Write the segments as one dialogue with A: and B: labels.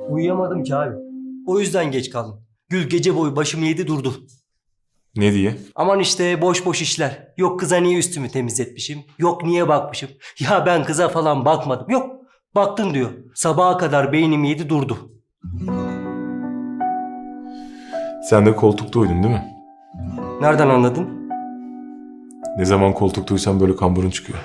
A: Uyuyamadım ki abi. O yüzden geç kaldım. Gül gece boyu başımı yedi durdu.
B: Ne diye?
A: Aman işte boş boş işler. Yok kıza niye üstümü temizletmişim. Yok niye bakmışım. Ya ben kıza falan bakmadım. Yok baktın diyor. Sabaha kadar beynimi yedi durdu.
B: Sen de koltukta uyudun değil mi?
A: Nereden anladın?
B: Ne zaman koltukta uyusan böyle kamburun çıkıyor.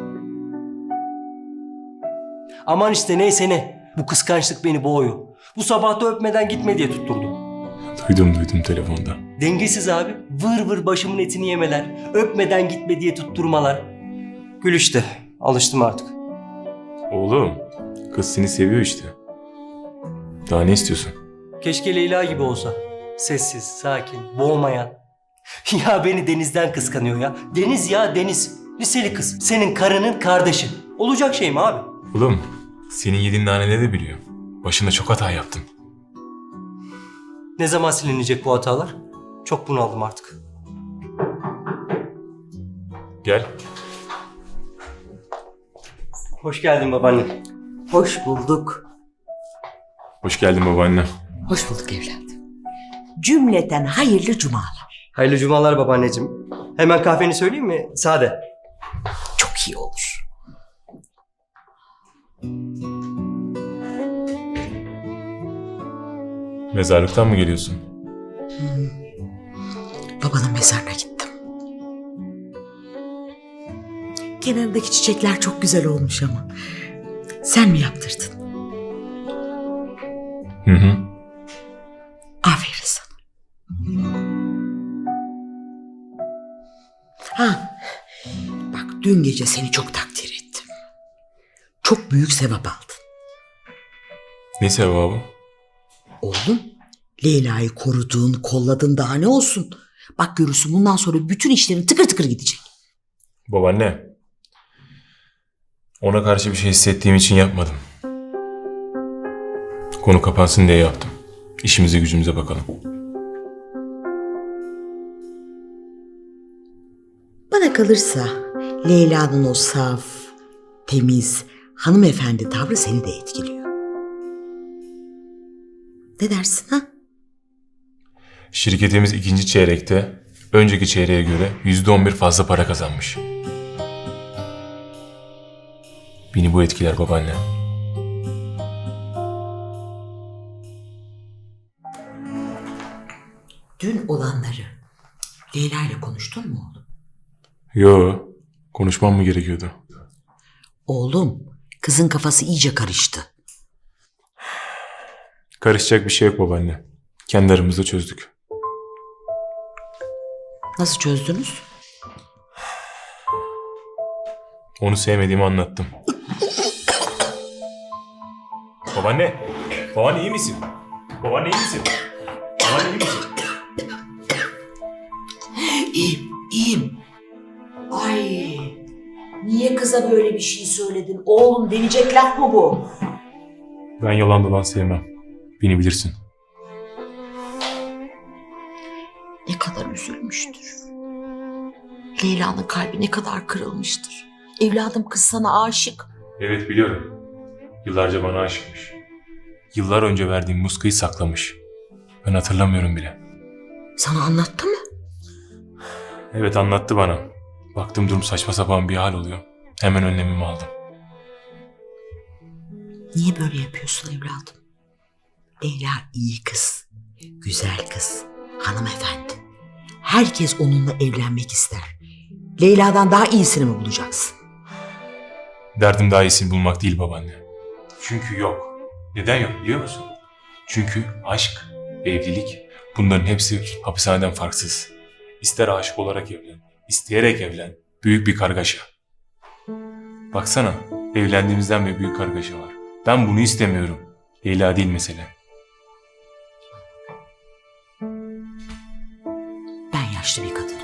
A: Aman işte neyse ne. Bu kıskançlık beni boğuyor. Bu sabah da öpmeden gitme diye tutturdu.
B: Duydum telefonda.
A: Dengesiz abi. Vır vır başımın etini yemeler. Öpmeden gitme diye tutturmalar. Gül işte. Alıştım artık.
B: Oğlum, kız seni seviyor işte. Daha ne istiyorsun?
A: Keşke Leyla gibi olsa. Sessiz, sakin, boğmayan. Ya beni Deniz'den kıskanıyor ya. Deniz ya Deniz. Liseli kız. Senin karının kardeşi. Olacak şey mi abi?
B: Oğlum, senin yediğin naneleri de biliyor. Başında çok hata yaptın.
A: Ne zaman silinecek bu hatalar? Çok bunaldım artık.
B: Gel.
A: Hoş geldin babaanne.
C: Hoş bulduk.
B: Hoş geldin babaanne.
C: Hoş bulduk evladım. Cümleten hayırlı cumalar.
A: Hayırlı cumalar babaanneciğim. Hemen kahveni söyleyeyim mi? Sade.
C: Çok iyi olur.
B: Mezarlıktan mı geliyorsun?
C: Babanın mezarına gittim. Kenarındaki çiçekler çok güzel olmuş ama. Sen mi yaptırdın?
B: Hı.
C: Aferin sana. Ha, bak dün gece seni çok takdir ettim. Çok büyük sevap aldın.
B: Ne sevabı?
C: Oğlum, Leyla'yı korudun, kolladın, daha ne olsun? Bak görürsün bundan sonra bütün işlerin tıkır tıkır gidecek.
B: Babaanne. Ona karşı bir şey hissettiğim için yapmadım. Konu kapansın diye yaptım. İşimize gücümüze bakalım.
C: Bana kalırsa Leyla'nın o saf, temiz, hanımefendi tavrı seni de etkiliyor. Ne dersin ha?
B: Şirketimiz ikinci çeyrekte önceki çeyreğe göre %11 fazla para kazanmış. Beni bu etkiler babaanne.
C: Dün olanları Leyla ile konuştun mu oğlum?
B: Yo, konuşmam mı gerekiyordu?
C: Oğlum, kızın kafası iyice karıştı.
B: Karışacak bir şey yok babaanne. Kendi aramızda çözdük.
C: Nasıl çözdünüz?
B: Onu sevmediğimi anlattım. Babaanne! Babaanne iyi misin? Babaanne iyi misin? Babaanne iyi misin?
C: İyiyim, iyiyim. Ay, niye kıza böyle bir şey söyledin? Oğlum deneyecek laf mı bu?
B: Ben yalan dolan sevmem. Beni bilirsin.
C: Ne kadar üzülmüştür. Leyla'nın kalbi ne kadar kırılmıştır. Evladım kız sana aşık.
B: Evet biliyorum. Yıllarca bana aşıkmış. Yıllar önce verdiğim muskayı saklamış. Ben hatırlamıyorum bile.
C: Sana anlattı mı?
B: Evet anlattı bana. Baktım durum saçma sapan bir hal oluyor. Hemen önlemimi aldım.
C: Niye böyle yapıyorsun evladım? Leyla iyi kız, güzel kız, hanımefendi. Herkes onunla evlenmek ister. Leyla'dan daha iyisini mi bulacaksın?
B: Derdim daha iyisini bulmak değil babaanne. Çünkü yok. Neden yok biliyor musun? Çünkü aşk, evlilik bunların hepsi hapishaneden farksız. İster aşık olarak evlen, isteyerek evlen. Büyük bir kargaşa. Baksana evlendiğimizden beri büyük kargaşa var. Ben bunu istemiyorum. Leyla değil mesele.
C: Ben yaşlı bir kadınım.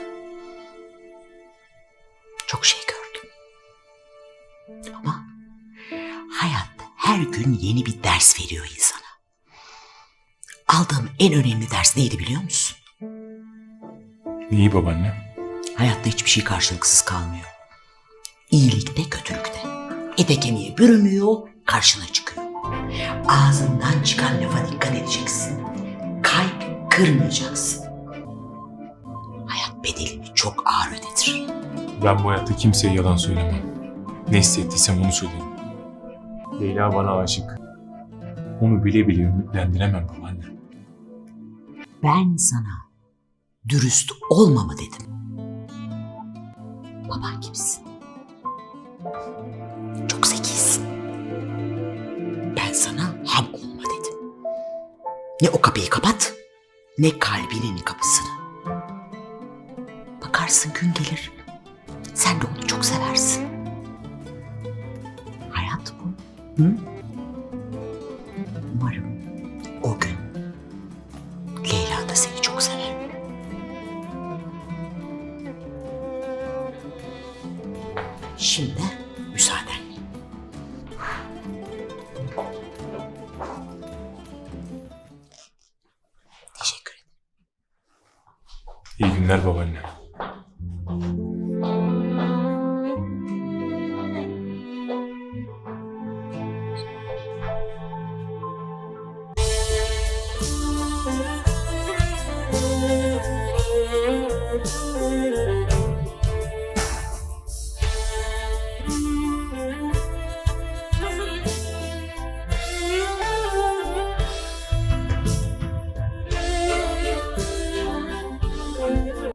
C: Çok şey gördüm. Ama hayat her gün yeni bir ders veriyor insana. Aldığım en önemli ders neydi biliyor musun?
B: İyi babaanne.
C: Hayatta hiçbir şey karşılıksız kalmıyor. İyilikte, kötülükte. Ete kemiğe bürünüyor, karşına çıkıyor. Ağzından çıkan lafa dikkat edeceksin. Kalp kırmayacaksın. Hayat bedelini çok ağır ödetir.
B: Ben bu hayatta kimseye yalan söylemem. Ne hissettiysem onu söylerim. Leyla bana aşık. Onu bile bile ümitlendiremem babaanne.
C: Ben sana dürüst olma mı dedim. Baban gibisin. Çok zekisin. Ben sana ham olma dedim. Ne o kapıyı kapat, ne kalbinin kapısını. Bakarsın gün gelir, sen de onu çok seversin. Hayat bu. Hı? Umarım o gün Leyla da seni çok sever. Şimdi müsaadenle. Teşekkür ederim.
B: İyi günler babaanne.